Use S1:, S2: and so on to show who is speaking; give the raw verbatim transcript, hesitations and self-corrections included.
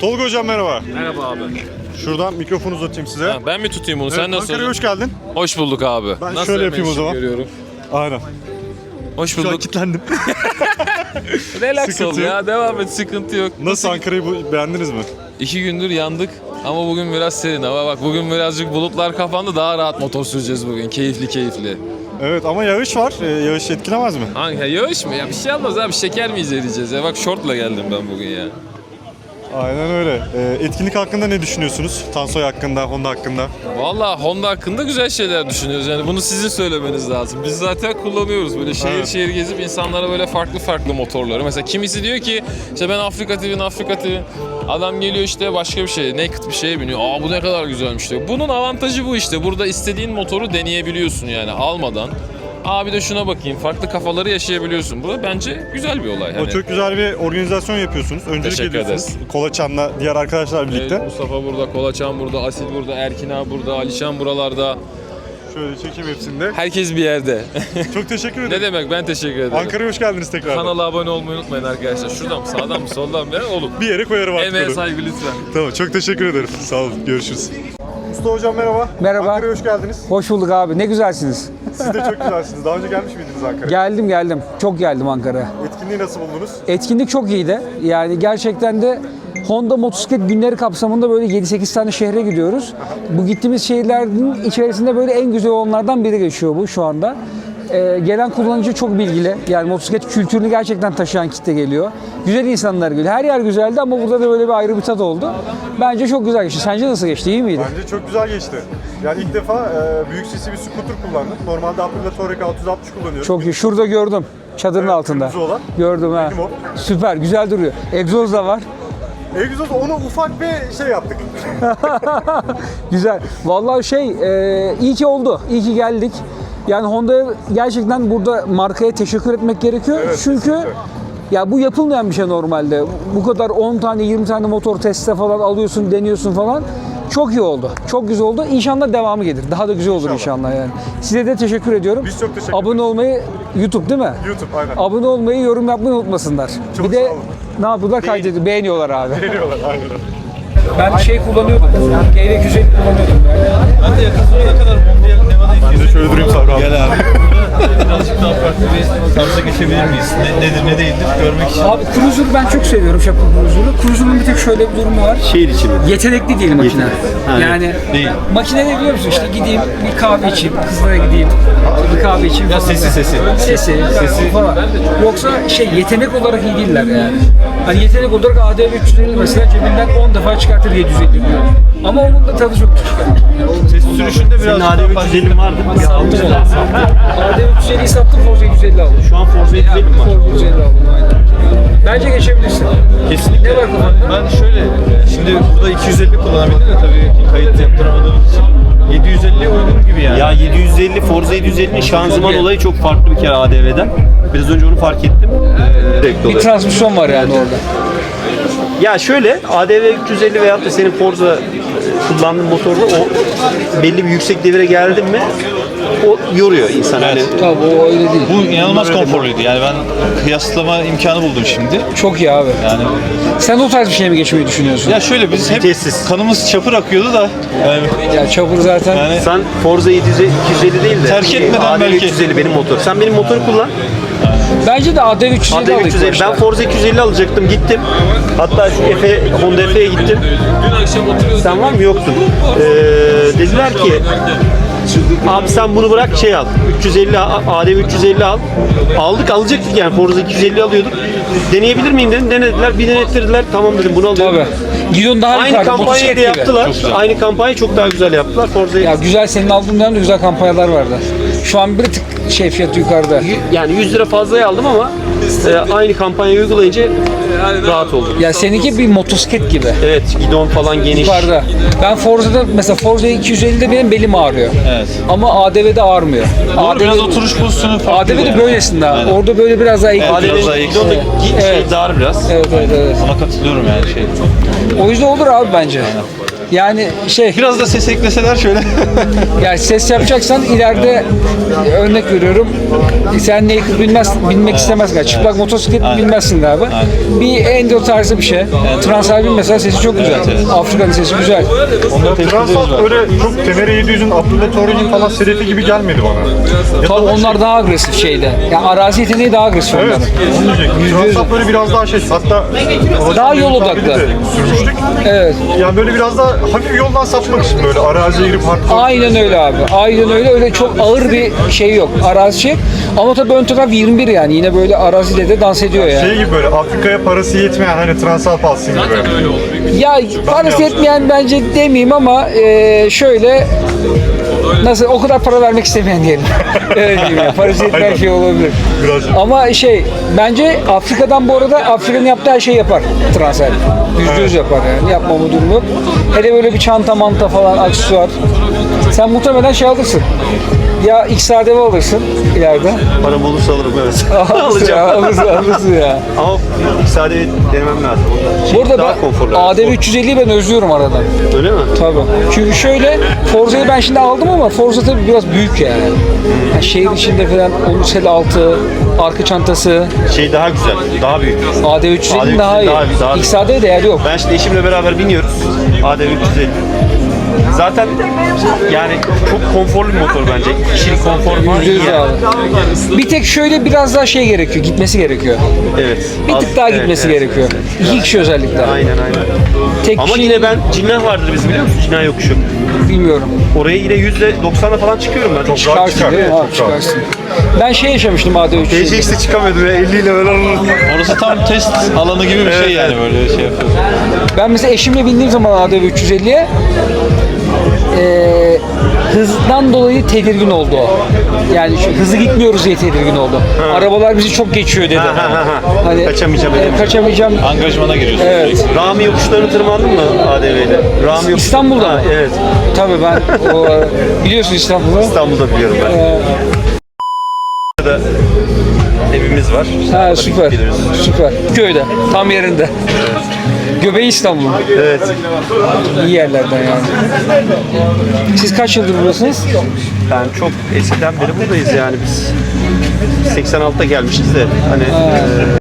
S1: Tolga hocam merhaba.
S2: Merhaba abi.
S1: Şuradan mikrofonu uzatayım size.
S2: Ha, ben mi tutayım bunu?
S1: Evet,
S2: Sen nasıl
S1: Ankara'ya
S2: oldun?
S1: hoş geldin.
S2: Hoş bulduk abi.
S1: Ben
S2: Nasıl
S1: şöyle yapayım o zaman.
S2: Görüyorum.
S1: Aynen.
S2: Hoş
S1: Şu an
S2: bulduk.
S1: kilitlendim.
S2: Relax
S1: Sıkıntı
S2: ol
S1: yok.
S2: ya. Devam et. Sıkıntı yok.
S1: Nasıl Ankara'yı bu- beğendiniz mi?
S2: İki gündür yandık ama bugün biraz serin hava. Bak bugün birazcık bulutlar kapandı. Daha rahat motor süreceğiz bugün. Keyifli keyifli.
S1: Evet ama yağış var. Ee, yağış etkilemez mi?
S2: Hangi? Ya yağış mı? Ya bir şey olmaz abi. Şeker mi izleyeceğiz ya? Bak şortla geldim ben bugün ya.
S1: Aynen öyle. Ee, etkinlik hakkında ne düşünüyorsunuz? Tansoy hakkında, Honda hakkında.
S2: Valla Honda hakkında güzel şeyler düşünüyoruz. Yani bunu sizin söylemeniz lazım. Biz zaten kullanıyoruz. Böyle şehir
S1: Evet.
S2: şehir gezip insanlara böyle farklı farklı motorları. Mesela kimisi diyor ki işte ben Afrika T V'nin Afrika T V. Adam geliyor işte başka bir şey, naked bir şeye biniyor. Aa bu ne kadar güzelmiş diyor. Bunun avantajı bu işte. Burada istediğin motoru deneyebiliyorsun yani almadan. Aa bir de şuna bakayım. Farklı kafaları yaşayabiliyorsun. Bu bence güzel bir olay.
S1: O
S2: Hani,
S1: çok güzel bir organizasyon yapıyorsunuz. Öncelik
S2: Teşekkür
S1: ediyorsunuz.
S2: ederiz.
S1: Kolaçan'la diğer arkadaşlar birlikte.
S2: Evet, Mustafa burada, Kolaçan burada, Asil burada, Erkin abi burada, Alişan buralarda.
S1: Şöyle çekeyim hepsinde.
S2: Herkes bir yerde.
S1: Çok teşekkür
S2: Ne
S1: ederim.
S2: demek, ben teşekkür ederim.
S1: Ankara'ya hoş geldiniz tekrar.
S2: Kanala abone olmayı unutmayın arkadaşlar. Şuradan mı, sağdan mı, soldan mı? Oğlum.
S1: Bir yere koyarım artık
S2: Emeğe
S1: onu.
S2: saygı lütfen.
S1: Tamam, çok teşekkür ederim. Sağ olun, görüşürüz. Usta hocam merhaba.
S3: Merhaba.
S1: Ankara'ya hoş geldiniz.
S3: Hoş bulduk abi. Ne güzelsiniz.
S1: Siz de çok güzelsiniz. Daha önce gelmiş miydiniz Ankara'ya?
S3: Geldim geldim. Çok geldim Ankara'ya.
S1: Etkinliği nasıl buldunuz?
S3: Etkinlik çok iyiydi. Yani gerçekten de Honda Motosiklet günleri kapsamında böyle yedi sekiz tane şehre gidiyoruz. Bu gittiğimiz şehirlerin içerisinde böyle en güzel olanlardan biri geçiyor bu şu anda. Ee, gelen kullanıcı çok bilgili. Yani motosiklet kültürünü gerçekten taşıyan kitle geliyor. Güzel insanlar geliyor. Her yer güzeldi ama burada da böyle bir ayrı bir tat oldu. Bence çok güzel geçti. Sence nasıl geçti? İyi miydi?
S1: Bence çok güzel geçti. Yani ilk defa e, büyük sesli bir scooter kullandım. Normalde Aprilia Touareg altı yüz altmış kullanıyorum.
S3: Çok iyi. Şurada gördüm. Çadırın
S1: Evet,
S3: altında.
S1: kırmızı olan.
S3: Gördüm ha.
S1: Benim o.
S3: Süper. Güzel duruyor. Egzoz da var.
S1: Egzoz onu ufak bir şey yaptık.
S3: Güzel. Vallahi şey, e, iyi ki oldu. İyi ki geldik. Yani Honda'ya gerçekten burada markaya teşekkür etmek gerekiyor.
S1: Evet,
S3: Çünkü
S1: kesinlikle.
S3: ya bu yapılmayan bir şey normalde. Bu kadar on tane yirmi tane motor teste falan alıyorsun, deniyorsun falan. Çok iyi oldu. Çok güzel oldu. İnşallah devamı gelir. Daha da güzel olur
S1: İnşallah.
S3: inşallah yani. Size de teşekkür ediyorum.
S1: Biz çok teşekkür
S3: Abone
S1: ederiz.
S3: olmayı YouTube değil mi?
S1: YouTube aynen.
S3: Abone olmayı, yorum yapmayı unutmasınlar.
S1: Çok
S3: bir de
S1: sağ olun.
S3: ne yapıyorlar? Kaydediyor. Beğeniyorlar abi.
S1: Veriyorlar aynen.
S3: Ben şey kullanıyordum. G V iki yüz elli kullanıyordum.
S4: Ben de yakın zamana kadar Mondial Nevada'yı
S1: Ben de şöyle durayım Sabri abi.
S4: Gel abi. Birazcık daha farklı bir tarza geçebilir miyiz? Ne, nedir ne değildir görmek için.
S3: Abi Cruiser'ı ben çok seviyorum, Şapka Cruiser'ı. Cruiser'ın bir tek şöyle bir durumu var.
S4: Şehir içi mi?
S3: Yetenekli değil makine.
S4: Ha,
S3: yani
S4: değil.
S3: makine ne biliyor musun? İşte gideyim bir kahve içeyim, kızlara gideyim, bir kahve içeyim
S4: Ya
S3: falan.
S4: sesi, sesi.
S3: Sesi, sesi falan. Yoksa şey yetenek olarak iyi değiller yani. Hani yetenek olarak A D V üç yüz elli mesela cebinden on defa çıkartır yedi yüz elli diyor. Ama onun da tadı çok düşük. Yani
S4: Ses sürüşünde biraz daha farklı.
S5: üç yüz elli vardı. Bir almış da.
S3: A D V üç yüz elliyi sattım, Forza yedi yüz elli aldım.
S5: Şu an Forza yedi yüz elli mi var?
S3: Forza yedi yüz elli aldım aynen. Bence geçebilirsin.
S4: Kesinlikle.
S3: Ne var kafanda?
S4: Ben şöyle, şimdi burada iki yüz elli kullanabildim de tabii kayıt yaptıramadığımız için. yedi yüz elli uygun gibi yani.
S5: Ya yedi yüz elli, Forza yedi yüz ellinin şanzıman
S3: Çok iyi.
S5: olayı çok farklı bir kere A D V'den. Biraz önce onu fark ettim. Direkt
S3: Bir
S5: oluyor.
S3: transmisyon var yani orada.
S5: Ya şöyle, A D V üç yüz elli veyahut da senin Forza e, kullandığın motorda o belli bir yüksek devire geldin mi o yoruyor insan. Hani
S3: Tabii o öyle değil.
S4: Bu inanılmaz konforluydu yani ben kıyaslama imkanı buldum şimdi.
S3: Çok iyi abi.
S4: Yani
S3: Sen o tarz bir şeye mi geçmeyi düşünüyorsun?
S4: ya şöyle biz hep
S5: Vitessiz.
S4: kanımız çapır akıyordu da yani,
S3: Ya çapur zaten.
S4: yani
S5: sen Forza yedi yüz elli, iki yüz elli değil de
S4: Terk etmeden
S5: A D V
S4: belki.
S5: üç yüz elli benim motor. Sen benim motoru kullan.
S3: Bence de A D V üç yüz elli
S5: A D V
S3: aldık
S5: üç yüz elli.
S3: başta.
S5: Ben Forza iki yüz elli alacaktım, gittim. Hatta şu Efe, Honda Efe'ye gittim.
S2: Dün akşam oturuyoruz.
S5: Sen var mı? Yoktun. Ee, dediler ki abi sen bunu bırak şey al. üç yüz elli A D V üç yüz elli al. Aldık alacaktık yani Forza iki yüz elli alıyorduk. Deneyebilir miyim dedim. Denediler. Bir denettirdiler. Tamam dedim bunu alıyorum.
S3: Tabii. Gidon daha
S5: Aynı
S3: yukarıda,
S5: kampanyayı
S3: motosiklet
S5: da
S3: gibi.
S5: yaptılar. Aynı kampanyayı çok daha güzel yaptılar. Forza'yı
S3: Ya güzel, senin aldığın dönemde güzel kampanyalar vardı. Şu an bir tık şey fiyatı yukarıda.
S5: yani yüz lira fazlaya aldım ama e, aynı kampanyayı uygulayınca rahat oldum.
S3: Ya seninki bir motosiklet gibi.
S5: Evet, gidon falan geniş.
S3: Yukarıda. Ben Forza'da mesela Forza iki yüz ellide benim belim ağrıyor.
S4: evet.
S3: Ama A D V'de ağrımıyor.
S4: Doğru, biraz oturuş pozisyonu farklı.
S3: A D V'de
S4: yani.
S3: böylesinde abi.
S4: Aynen.
S3: Orada böyle biraz daha eğik.
S4: Evet,
S5: A D
S4: biraz daha
S5: V
S4: iyi.
S5: gidon da gi- şey
S3: Evet.
S5: dar biraz.
S3: Evet evet evet.
S4: Ona katılıyorum yani şey.
S3: O yüzden olur abi bence. Yani şey,
S4: Biraz da ses ekleseler şöyle.
S3: yani ses yapacaksan ileride e, örnek veriyorum. e, Sen naked bilmez, bilmek istemezsin. Yani çıplak motosiklet bilmezsin galiba. Bir enduro tarzı bir şey. Transalpin mesela sesi çok güzel. Afrika'nın sesi güzel.
S1: Onda Transalp öyle çok Temere yedi yüzün Abdullah Torre'nin falan serifi gibi gelmedi bana. Ya
S3: Tabii
S1: da
S3: onlar daha agresif şeyde. Yani arazi yeteneği daha agresif
S1: Evet,
S3: onların.
S1: onu diyecektim. Transalp böyle biraz daha şey, hatta
S3: Daha yol
S1: Mehmet
S3: odaklı.
S1: abiyle de sürmüştük.
S3: Evet.
S1: Yani böyle biraz daha hafif yoldan sapmak için böyle araziye girip hardcore.
S3: Aynen öyle abi. Aynen öyle. Öyle çok ağır bir şey yok. Arazi şey. Ama tabii ön taraf yirmi bir yani. Yine böyle arazide de dans ediyor yani.
S1: Şey gibi böyle Afrika'ya parası yetmeyen hani Transalp alsın gibi.
S3: Ya parası yetmeyen bence demeyeyim ama e, şöyle nasıl o kadar para vermek istemeyen diyelim. Öyle diyeyim ya. Parası yetmeyen
S1: Aynen.
S3: şey olabilir.
S1: Biraz.
S3: Ama şey bence Afrika'dan bu arada Afrika'nın yaptığı her şeyi yapar transfer. Yüzde yüz yapar yani. Yapmama durumu yok. Hele böyle bir çanta manta falan aksesuar. Sen muhtemelen şey alırsın. Ya X R D V alırsın ileride.
S5: Param olursa alırım evet.
S3: Alırsın ya, alırsın, alırsın ya.
S5: Ama sadece denemem lazım. Şey,
S3: Bu arada
S5: daha
S3: ben
S5: konforlu.
S3: A D V üç yüz elliyi ben özlüyorum aradan.
S5: Öyle mi?
S3: Tabii. Çünkü şöyle Forza'yı ben şimdi aldım ama Forza tabii biraz büyük yani. yani şehir içinde falan Olusel altı, arka çantası,
S5: Şey daha güzel, daha büyük.
S3: A D V üç yüz elli
S5: A D V
S3: daha iyi.
S5: daha- daha-
S3: X R D değeri yok.
S5: Ben şimdi eşimle beraber biniyoruz. A D V üç yüz elli. Zaten yani çok konforlu bir motor bence. Kişilik konforu falan iyi
S3: Yüzde yüz
S5: yani.
S3: abi. Bir tek şöyle biraz daha şey gerekiyor, gitmesi gerekiyor.
S5: Evet.
S3: Bir
S5: Az-
S3: tık daha
S5: evet,
S3: gitmesi
S5: evet.
S3: gerekiyor. İki kişi özellikle.
S5: Aynen aynen.
S3: Tek
S5: Ama
S3: kişi
S5: yine ben Cinnah vardır bizim biliyor musun? Cinnah yokuşu.
S3: bilmiyorum.
S5: Oraya yine yüzde doksanla falan çıkıyorum ben. Çok rahat
S3: Çıkarsın
S5: çıkar.
S3: değil mi? Abi,
S1: çok rahat.
S3: çıkarsın. Ben şey yaşamıştım A D V üç yüz elli.
S5: T C X'te çıkamıyordum ya elli ile böyle.
S4: Orası tam test alanı gibi bir şey yani böyle şey yapıyorsun.
S3: Ben mesela eşimle bindiğim zaman A D V üç yüz elliye eee hızdan dolayı tedirgin oldu o. Yani şu, hızlı gitmiyoruz diye tedirgin oldu. Arabalar bizi çok geçiyor dedi.
S5: Ha, ha, ha.
S3: Hani
S5: Kaçamayacağım,
S3: e,
S5: edemeyeceğim.
S3: kaçamayacağım.
S4: Angajmana giriyorsun.
S3: Evet.
S5: Rami yokuşlarını tırmandın mı A D V ile? Rami yokuşları.
S3: İstanbul'da
S5: Ha,
S3: mı?
S5: Evet.
S3: Tabii ben o, biliyorsun İstanbul'u.
S5: İstanbul'da biliyorum ben.
S3: Ee,
S5: Burada evimiz var.
S3: ha
S5: Orada
S3: süper.
S5: geliyoruz.
S3: Süper. Köyde. Tam yerinde. Göbeği İstanbul.
S5: Evet.
S3: İyi yerlerden yani. Siz kaç yıldır buradasınız?
S5: Ben çok eskiden beri buradayız yani biz. seksen altıda gelmişiz de hani